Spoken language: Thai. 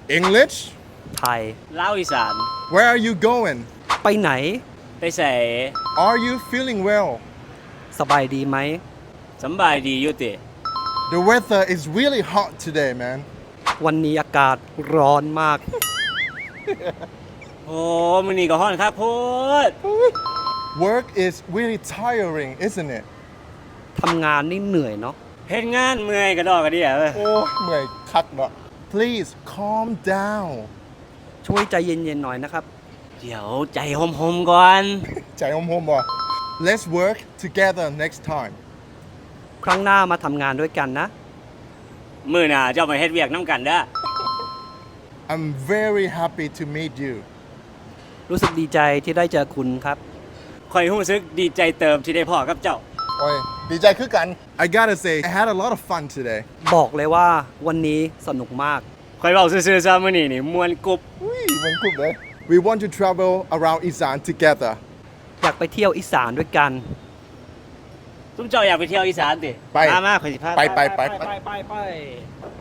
English ไทยลาวอีสาน Where are you going ไปไหนไปใส่ Are you feeling well สบายดีไหมสำบายดีอยู่ติ The weather is really hot today man วันนี้อากาศร้อนมากโอ้มื้อนี้ก็ฮ้อนครับโพด Work is really tiring isn't it ทำงานนี่เหนื่อยเนาะเฮ็ดงานเมื่อยกระดอกกระเดี่ยเว้ยโอ้เหนื่อยคักเนาะ Please calm down ช่วยใจเย็นๆหน่อยนะครับเดี๋ยวใจหอมๆก่อนใจหอมๆบ่ Let's work together next time ครั้งหน้ามาทำงานด้วยกันนะมื้อหน้าเจ้ามาเฮ็ดเวียกนํกันเด้อ I'm very happy to meet you รู้สึกดีใจที่ได้เจอคุณครับข่อยรู้สึกดีใจเติมที่ได้พ่อกับเจ้าโอ้ยดีใจคือกัน I gotta say I had a lot of fun today บอกเลยว่าวันนี้สนุกมากข่อยเว้าซื่อๆซะมื้อนี้นี่ม่วนกุบอุ้ยมันกรุบเลย We want to travel around Isan together อยากไปเที่ยวอีสานด้วยกันซุมเจ้าอยากไปเที่ยวอีสานติไปมาข่อยสิพาไปไป